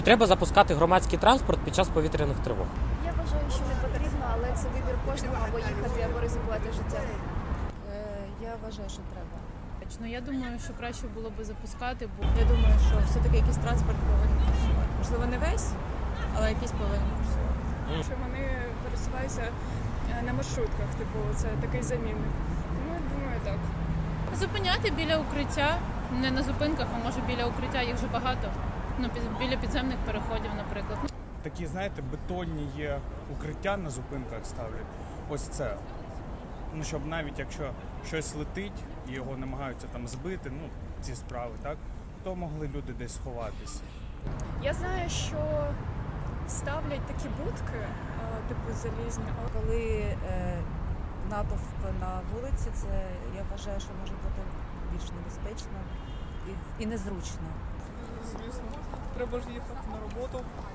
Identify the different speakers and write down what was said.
Speaker 1: Треба запускати громадський транспорт під час повітряних тривог.
Speaker 2: Я вважаю, що не потрібно, але це вибір кожного, або їхати, або ризикувати життям.
Speaker 3: Я вважаю, що треба.
Speaker 4: Ну, я думаю, що краще було би запускати, бо я думаю, що все-таки якийсь транспорт повинен курсувати. Можливо, не весь, але якийсь повинен курсувати.
Speaker 5: Що вони пересуваються на маршрутках, типу, це такий замінник. Тому я думаю, так.
Speaker 4: Зупиняти біля укриття, не на зупинках, а може біля укриття, їх вже багато. Ну, біля підземних переходів, наприклад.
Speaker 6: Такі, знаєте, бетонні є укриття на зупинках ставлять. Ось це. Ну, щоб навіть якщо щось летить і його намагаються там збити, ну, ці справи, так, то могли люди десь сховатися.
Speaker 5: Я знаю, що ставлять такі будки, типу залізні.
Speaker 3: Коли натовп на вулиці, це я вважаю, що може бути більш небезпечно і незручно.
Speaker 7: Звісно, треба ж їхати на роботу.